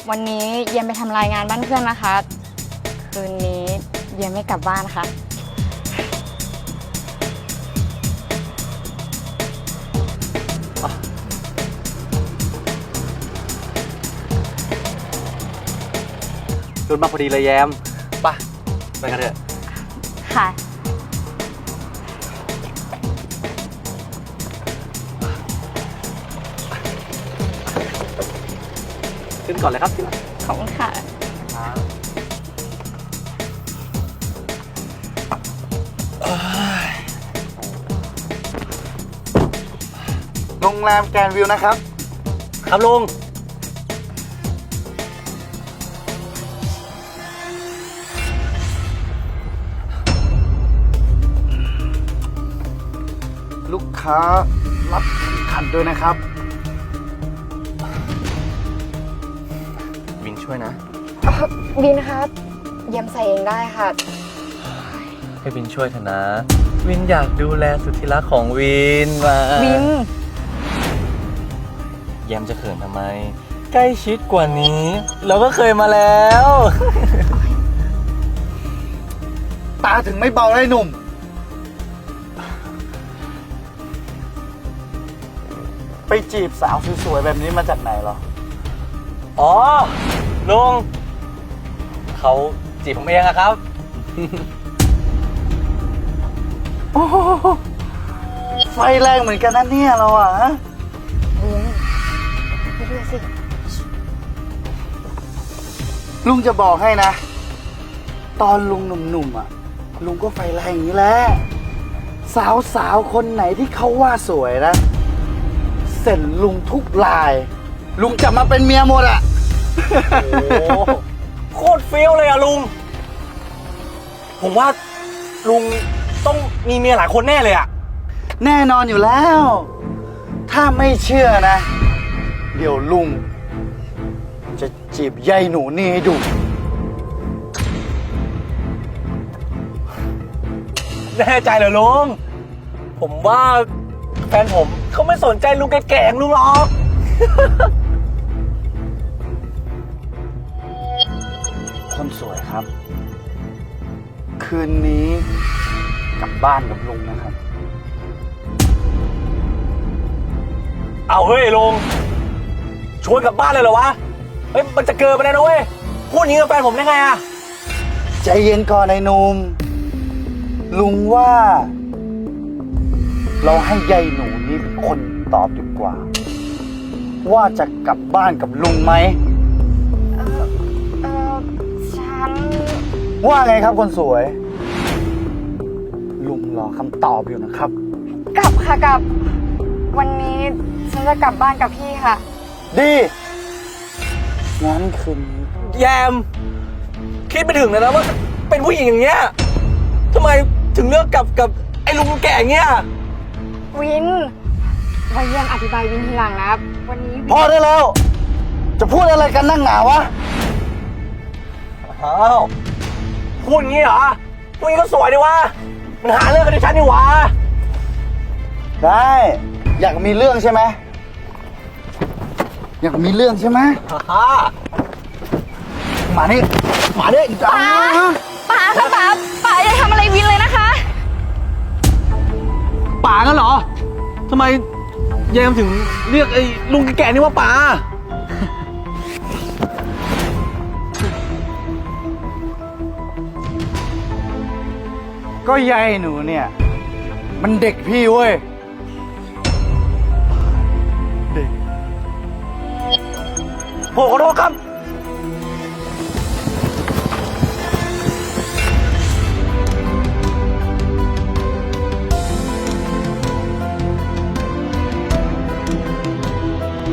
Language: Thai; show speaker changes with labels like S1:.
S1: วันนี้เย็นไปทำรายงานบ้านเพื่อนนะคะ คืนนี้เย็นไม่กลับบ้านค่ะ
S2: จนมาพอดีเลยแยมป่ะไปกันเถอะ
S1: ค่ะ
S2: ขึ้นก่อนเลยครับ
S1: ขอบคุณค่ะ
S3: โรงแรมแกรนด์วิวนะครับ
S2: ครับลุง
S3: ลูกค้ารับเข็มขัดด้วยนะครับ
S2: วินช่วยนะ
S1: บินครับเย็นใส่เองได้ค่ะ
S2: ให้วินช่วยเถอะนะ วินอยากดูแลสุดที่รักของวินมา
S1: บิน
S2: แยมจะเขินทำไม ใกล้ชิดกว่านี้ เราก็เคยมาแล้ว
S3: ตาถึงไม่เบาเลยหนุ่ม ไปจีบสาวสวยๆแบบนี้มาจากไหนเหรอ
S2: อ๋อลุงเขาจีบผมเองอะครับ
S3: โอ้โหไฟแรงเหมือนกันนะเนี่ยเราอ่ะ
S1: บินไปดูสิ
S3: ลุงจะบอกให้นะ ตอนลุงหนุ่มๆอ่ะ ลุงก็ไฟแรงอย่างนี้แหละ สาวๆคนไหนที่เขาว่าสวยนะ เสร็จลุงทุกลาย ลุงจะมาเป็นเมียหมดอ่ะ
S2: โอ้โคตรเฟี้ยวเลยอะลุง ผมว่าลุงต้องมีเมียหลายคนแน่เลยอะ
S3: แน่นอนอยู่แล้ว ถ้าไม่เชื่อนะ เดี๋ยวลุง จะจีบยายหนูนี่ให้ดู
S2: แน่ใจเหรอลุง ผมว่าแฟนผมเขาไม่สนใจลุงแก่ๆอย่างลุงหรอก
S3: คนสวยครับ คืนนี้กลับบ้านกับลุงนะครับ
S2: เอาเฮ้ยลุงชวนกลับบ้านเลยเหรอวะ เฮ้ยมันจะเกินไปแล้วนะเว้ย พูดอย่างนี้กับแฟนผมได้ไงอะ
S3: ใจเย็นก่อนไอ้หนุ่มลุงว่า เราให้ยายหนูนี่เป็นคนตอบดีกว่า ว่าจะกลับบ้านกับลุงไหม
S1: ฉัน
S3: ว่าไงครับคนสวย ลุงรอคำตอบอยู่นะครับ
S1: กลับค่ะกลับ วันนี้ฉันจะกลับบ้านกับพี่ค่ะ
S3: ดีงั้นคืนนี้
S2: แยม คิดไปถึงเลยนะว่าเป็นผู้หญิงอย่างเงี้ยทำไมถึงเลือกกับไอ้ลุงแก่เงี้ย
S1: วินไว้เยี่ยมอธิบายวินทีหลังนะวันนี้
S3: พอได้แล้ว จะพูดอะไรกันนั่งหนาวะ
S2: อ้าวพูดงี้เหรอพูดงี้ก็สวยดีวะมันหาเรื่องกันดิฉันนี่หวะ
S3: ได้ อยากมีเรื่องใช่ไหมอยากมีเรื่องใช่ไหม
S2: ฮ่า
S3: มานี่มานี่จ้า
S1: ป๋าค่ะป๋าอย่าทำอะไรวินเลยนะคะ
S2: ป่ากันเหรอทำไมแยมถึงเรียกไอ้ลุงแก่นี่ว่าป่า
S3: ก็ยายหนูเนี่ย มันเด็กพี่เว้ย
S2: ผมขอโทษครับ